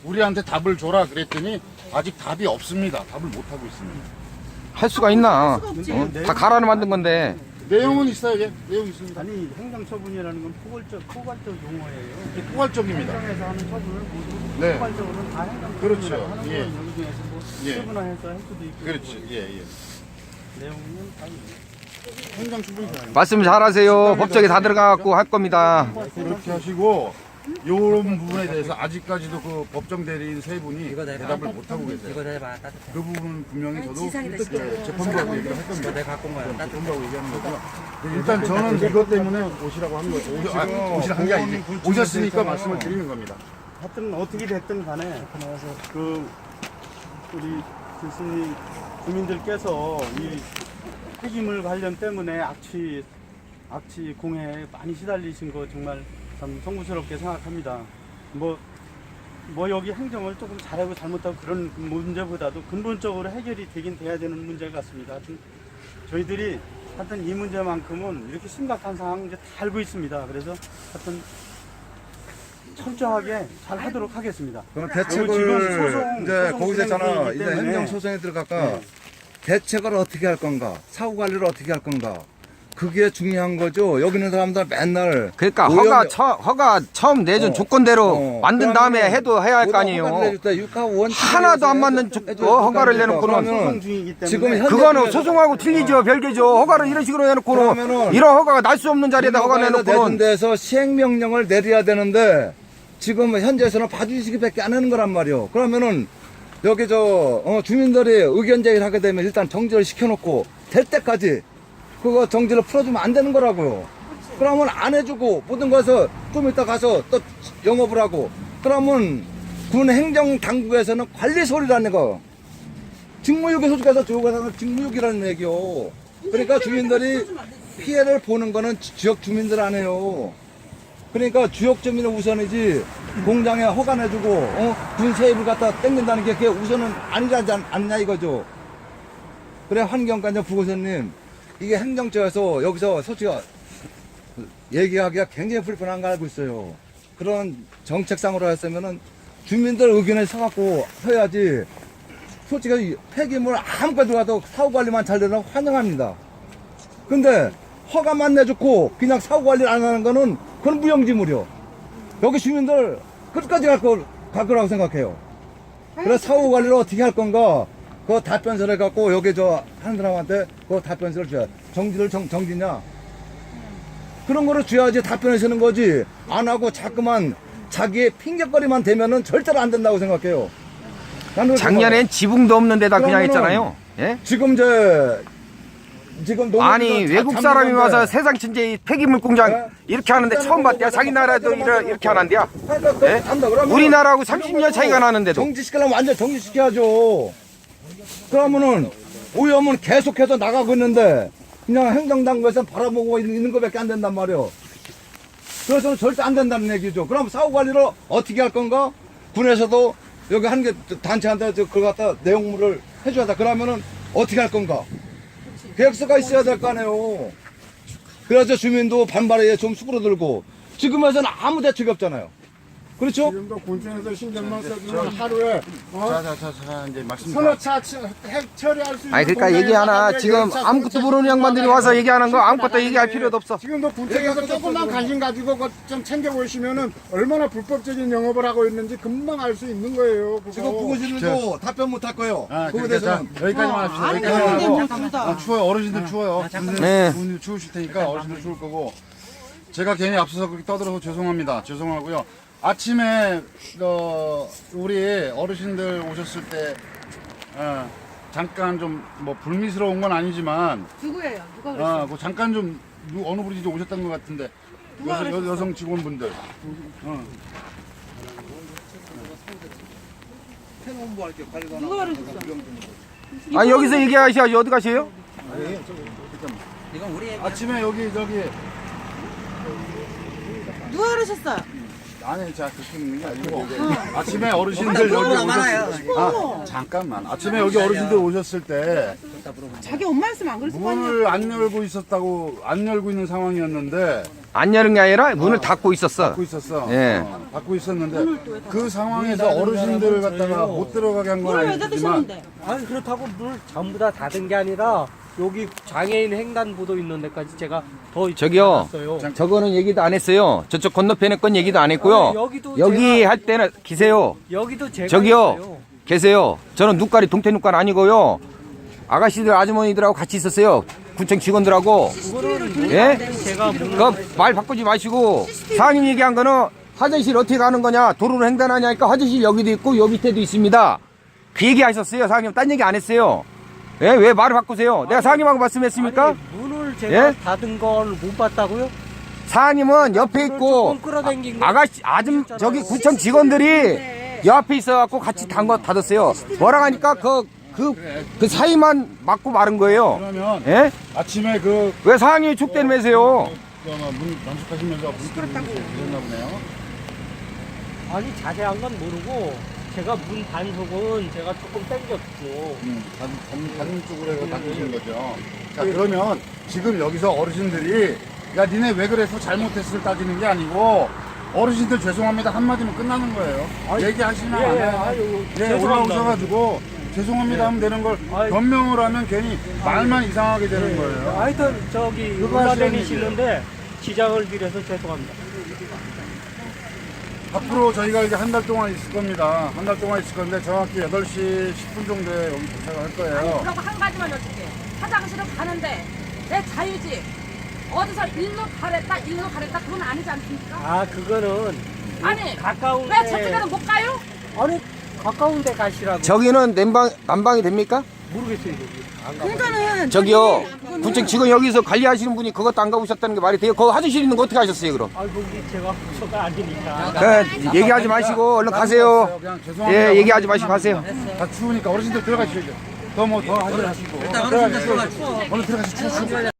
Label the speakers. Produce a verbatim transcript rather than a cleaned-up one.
Speaker 1: 우리한테 답을 줘라 그랬더니 아직 답이 없습니다. 답을 못 하고 있습니다.
Speaker 2: 할 수가 있나?
Speaker 3: 수가 없지.
Speaker 2: 어? 다 가라는 만든 건데.
Speaker 1: 내용은 있어요. 예, 내용 있습니다.
Speaker 4: 아니 행정처분이라는 건 포괄적 포괄적 용어예요.
Speaker 1: 이게 포괄적입니다.
Speaker 4: 행정에서 하는 처분을 모두
Speaker 1: 네.
Speaker 4: 포괄적으로는 다 행정.
Speaker 1: 그렇죠.
Speaker 4: 하는
Speaker 1: 예.
Speaker 4: 건 여기 중에서 뭐
Speaker 1: 예.
Speaker 4: 세분화해서 할 수도 있고.
Speaker 1: 그렇지. 예, 예.
Speaker 4: 내용은 다 있어요.
Speaker 1: 행정 추분이
Speaker 2: 말씀 잘하세요. 법적에 다 들어가갖고 할 겁니다.
Speaker 1: 그렇게 하시고 이런 부분에 대해서 아직까지도 그 법정 대리인 세 분이
Speaker 5: 이거 내가
Speaker 1: 대답을 못 하고 계세요.
Speaker 5: 이거 내봐 따뜻해.
Speaker 1: 그 부분은 분명히 저도
Speaker 3: 지상이다,
Speaker 1: 예,
Speaker 3: 지상.
Speaker 1: 재판부하고 얘기를 할 겁니다.
Speaker 5: 내가 갖고 온 거야. 따뜻해.
Speaker 1: 재판부하고 얘기하는 거고요. 일단 저는 이것 때문에 오시라고 한 거죠. 오시, 아, 오시라 한 게 아니지. 오셨으니까 말씀을 드리는 겁니다.
Speaker 4: 하여튼 어떻게 됐든 간에 그 우리 교수님 주민들께서 이 폐기물 관련 때문에 악취 악취 공해에 많이 시달리신 거 정말 참 송구스럽게 생각합니다. 뭐, 뭐 여기 행정을 조금 잘하고 잘못하고 그런 문제보다도 근본적으로 해결이 되긴 돼야 되는 문제 같습니다. 하여튼 저희들이 하여튼 이 문제만큼은 이렇게 심각한 상황 이제 다 알고 있습니다. 그래서 하여튼 철저하게 잘 하도록 하겠습니다.
Speaker 6: 그럼
Speaker 4: 그리고
Speaker 6: 대책을
Speaker 4: 지금 소송,
Speaker 6: 이제
Speaker 4: 소송
Speaker 6: 거기서 있잖아.
Speaker 4: 진행되기
Speaker 6: 이제
Speaker 4: 때문에
Speaker 6: 행정 소송에 들어갈까.
Speaker 4: 네.
Speaker 6: 대책을 어떻게 할 건가? 사후 관리를 어떻게 할 건가? 그게 중요한 거죠. 여기 있는 사람들 맨날
Speaker 2: 그러니까
Speaker 6: 오염-
Speaker 2: 허가 처, 허가 처음 내준
Speaker 6: 어.
Speaker 2: 조건대로
Speaker 6: 어.
Speaker 2: 만든 다음에
Speaker 6: 그러면은
Speaker 2: 해도 해야 할 거
Speaker 6: 모두
Speaker 2: 아니에요.
Speaker 6: 허가를 내줄 때 육하 원칙에
Speaker 2: 하나도 안
Speaker 6: 의해서
Speaker 2: 맞는
Speaker 6: 해줘-
Speaker 2: 조-
Speaker 6: 해줘야
Speaker 2: 어, 허가를
Speaker 6: 된다니까.
Speaker 2: 내놓고는
Speaker 4: 소송
Speaker 6: 그러면
Speaker 4: 중이기 때문에
Speaker 6: 지금 현-
Speaker 2: 그거는
Speaker 6: 현재
Speaker 2: 소송하고 틀리죠. 별개죠. 허가를 이런 식으로 해놓고는
Speaker 6: 그러면은
Speaker 2: 이런 허가가 날 수 없는 자리에다 허가
Speaker 6: 내준
Speaker 2: 내놓고는
Speaker 6: 데서 시행명령을 내려야 되는데 지금 현재에서는 봐주시기밖에 안 하는 거란 말이요. 그러면은 여기 저 어, 주민들이 의견 제기를 하게 되면 일단 정지를 시켜놓고 될 때까지 그거 정지를 풀어주면 안 되는 거라고요. 그러면 안 해주고 모든 것을 좀 이따 가서 또 영업을 하고 그러면 군 행정 당국에서는 관리 소리라는 거 직무유기 소속해서 조국에서는 직무유기라는 얘기요. 그러니까 주민들이 피해를 보는 거는 지- 지역 주민들 안 해요. 그러니까 지역 주민은 우선이지 공장에 허가 내주고 어? 군 세입을 갖다 땡긴다는 게 그게 우선은 아니지 않- 않냐 이거죠. 그래 환경관장 부고선님 이게 행정처에서 여기서 솔직히 얘기하기가 굉장히 불편한 거 알고 있어요. 그런 정책상으로 했으면은 주민들 의견을 사갖고 해야지. 솔직히 폐기물 아무것도 들어가도 사후관리만 잘 되면 환영합니다. 근데 허가만 내줬고 그냥 사후관리를 안 하는 거는 그건 무용지물이요. 여기 주민들 끝까지 갈, 거, 갈 거라고 생각해요. 그래서 사후관리를 어떻게 할 건가 그 답변서를 갖고 여기 저 하는 사람한테 그 답변서를 줘야 정지를 정, 정지냐 그런 거를 줘야지 답변을 쓰는 거지 안 하고 자꾸만 자기의 핑계거리만 대면은 절대로 안 된다고 생각해요. 나는 그렇게
Speaker 2: 작년엔 지붕도 없는 데다 그냥
Speaker 6: 그러면은
Speaker 2: 했잖아요. 예?
Speaker 6: 지금 이제 지금 농민들
Speaker 2: 아니
Speaker 6: 자-
Speaker 2: 외국
Speaker 6: 잠기는데
Speaker 2: 사람이 와서 세상 천재 폐기물 공장
Speaker 6: 네?
Speaker 2: 이렇게 하는데 처음 봤대요. 자기 나라도 이러, 이렇게 하는데요.
Speaker 6: 그러니까 그렇게
Speaker 2: 예?
Speaker 6: 한다 그러면
Speaker 2: 우리나라하고 삼십 년 차이가 나는데도.
Speaker 6: 정지시키려면 완전 정지시켜야죠. 그러면은 오염은 계속해서 나가고 있는데 그냥 행정당국에서 바라보고 있는, 있는 것밖에 안 된단 말이에요. 그래서 절대 안 된다는 얘기죠. 그럼 사후관리를 어떻게 할 건가? 군에서도 여기 한 개 단체한테 저 그걸 갖다 내용물을 해줘야 돼. 그러면은 어떻게 할 건가? 계획서가 있어야 될 거 아니에요. 그래서 주민도 반발에 좀 수그러들고 지금에서는 아무 대책이 없잖아요. 그렇죠?
Speaker 7: 지금도 군청에서 신경만 써주면 하루에 어?
Speaker 1: 자자자자 이제 말씀.
Speaker 7: 서너 차 처- 핵 처리할 수 있는
Speaker 2: 아니 그러니까
Speaker 7: 공장에서
Speaker 2: 얘기하나
Speaker 7: 하루에
Speaker 2: 지금
Speaker 7: 열 차,
Speaker 2: 아무것도
Speaker 7: 스무 차
Speaker 2: 모르는 양반들이 와서 얘기하는 거 아무것도 얘기할 필요도 없어.
Speaker 7: 지금도 군청에서 조금만 관심 가지고 그거 좀 챙겨보시면은 얼마나 불법적인 영업을 하고 있는지 금방 알 수 있는 거예요. 그거.
Speaker 6: 지금 부고시는도 답변 못 할 거예요.
Speaker 1: 아,
Speaker 6: 그거에
Speaker 1: 그러니까 자,
Speaker 6: 대해서는.
Speaker 1: 여기까지만 합시다.
Speaker 3: 안
Speaker 1: 여기까지만
Speaker 3: 되는데
Speaker 1: 하고.
Speaker 3: 뭐 둘 다.
Speaker 1: 아, 추워요. 어르신들 추워요.
Speaker 5: 잠깐만.
Speaker 2: 네.
Speaker 1: 분들 추우실 테니까 어르신들 추울 거고. 제가 괜히 앞서서 그렇게 떠들어서 죄송합니다. 죄송하고요. 아침에 어, 우리 어르신들 오셨을 때 어, 잠깐 좀 뭐 불미스러운 건 아니지만
Speaker 3: 누구예요? 누가 그랬어요?
Speaker 1: 아, 그 잠깐 좀 누- 어느 분이 좀 오셨던 것 같은데 여성, 여, 여성 직원분들. 어.
Speaker 3: 누가 그랬어?
Speaker 2: 아니 여기서 얘기하셔야지 어디 가세요?
Speaker 5: 이건 우리 얘기.
Speaker 1: 아침에 여기 저기
Speaker 3: 누가 그러셨어요?
Speaker 1: 아니 자 그렇게 있는 게 아니고 아침에 어르신들 여기
Speaker 5: 물어보나 많아요.
Speaker 1: 오셨을 아 잠깐만 아침에 여기 어르신들 오셨을 때
Speaker 3: 자기 엄마 했으면 안 그랬을 거 아니에요?
Speaker 1: 문을 안 열고 있었다고 안 열고 있는 상황이었는데
Speaker 2: 안 여는 게 아니라 문을 닫고 있었어.
Speaker 1: 닫고 있었어.
Speaker 2: 예.
Speaker 1: 어, 닫고 있었는데 그 상황에서 어르신들을 갖다가 못 들어가게 한 건
Speaker 3: 문을 왜
Speaker 1: 아니지만
Speaker 3: 닫으셨는데?
Speaker 8: 아니 그렇다고 물 전부 다 닫은 게 아니라 여기 장애인 횡단보도 있는 데까지 제가 더
Speaker 2: 저기요.
Speaker 8: 닫았어요.
Speaker 2: 저거는 얘기도 안 했어요. 저쪽 건너편에 건 얘기도 안 했고요.
Speaker 8: 아니, 여기도
Speaker 2: 여기
Speaker 8: 제가-
Speaker 2: 할 때는 기세요.
Speaker 8: 여기도 제가
Speaker 2: 저기요.
Speaker 8: 했어요.
Speaker 2: 계세요. 저는 눈깔이 동태 눈깔 아니고요. 아가씨들 아주머니들하고 같이 있었어요. 구청 직원들하고.
Speaker 8: 그거는
Speaker 2: 예?
Speaker 8: 제가 문
Speaker 2: 그 말 바꾸지 마시고 사장님 얘기한 거는 화장실 어떻게 가는 거냐 도로로 횡단하냐니까 화장실 여기도 있고 요 밑에도 있습니다. 그 얘기 하셨어요. 사장님 딴 얘기 안 했어요. 예? 왜 말을 바꾸세요? 내가 사장님하고 말씀했습니까?
Speaker 8: 아니, 문을 제가
Speaker 2: 예?
Speaker 8: 닫은 걸 못 봤다고요?
Speaker 2: 사장님은 옆에 있고
Speaker 8: 조금 끌어당긴 거.
Speaker 2: 아, 아가씨 아줌 저기 구청 직원들이 옆에 있어갖고 같이 닫 닫았어요. 뭐라 하니까 그 그 그 사이만 막고 마른 거예요.
Speaker 1: 그러면
Speaker 2: 예?
Speaker 1: 아침에 그
Speaker 2: 왜 사장님이 축대면서요?
Speaker 1: 문 단속하시면서 문 그랬나 보네요.
Speaker 8: 아니 자세한 건 모르고 제가 문 단속은 제가 조금 당겼고
Speaker 1: 음, 다른, 다른, 다른 쪽으로 해서 닫으신 거죠. 자, 그러면 지금 여기서 어르신들이 야, 니네 왜 그래서 잘못했을 따지는 게 아니고 어르신들 죄송합니다 한마디면 끝나는 거예요. 얘기하시면
Speaker 8: 예,
Speaker 1: 안
Speaker 8: 예,
Speaker 1: 해요.
Speaker 8: 아유,
Speaker 1: 예,
Speaker 8: 죄송합니다.
Speaker 1: 올라오셔가지고 죄송합니다 하면 되는 걸
Speaker 8: 아유.
Speaker 1: 변명을 하면 괜히 말만 이상하게 되는 거예요.
Speaker 8: 하여튼 저기
Speaker 1: 그거 하시는
Speaker 8: 올라다니시는데 지장을 드려서 죄송합니다.
Speaker 1: 앞으로 저희가 이제 한 달 동안 있을 겁니다. 한 달 동안 있을 건데 정확히 여덟 시 십 분 정도에 여기 도착을 할 거예요.
Speaker 9: 그리고 한 가지만 여쭐게. 화장실을 가는데 내 자유지. 어디서 일로 가랬다, 일로 가랬다 그건 아니지 않습니까?
Speaker 8: 아 그거는
Speaker 9: 아니,
Speaker 8: 가까운데
Speaker 9: 왜 저쪽에는 못 가요?
Speaker 8: 아니 가까운데 가시라고.
Speaker 2: 저기는 난방 난방이 됩니까?
Speaker 8: 모르겠어요 여기. 안 가봐요.
Speaker 3: 그러니까는
Speaker 2: 저기요. 구청 직원 여기서 관리하시는 분이 그것도 안 가보셨다는 게 말이 돼요? 거기 화장실 있는 거 어떻게 하셨어요, 그럼?
Speaker 8: 아 거기 제가 부서가 아니니까.
Speaker 2: 그 얘기하지 마시고 얼른 가세요.
Speaker 1: 그냥 죄송합니다.
Speaker 2: 예, 얘기하지 마시고 가세요.
Speaker 1: 다 추우니까 어르신들 들어가시죠. 더 뭐 더 하지 마시고.
Speaker 5: 일단 어르신들 들어가 추워.
Speaker 1: 얼른 들어가시죠. 추워.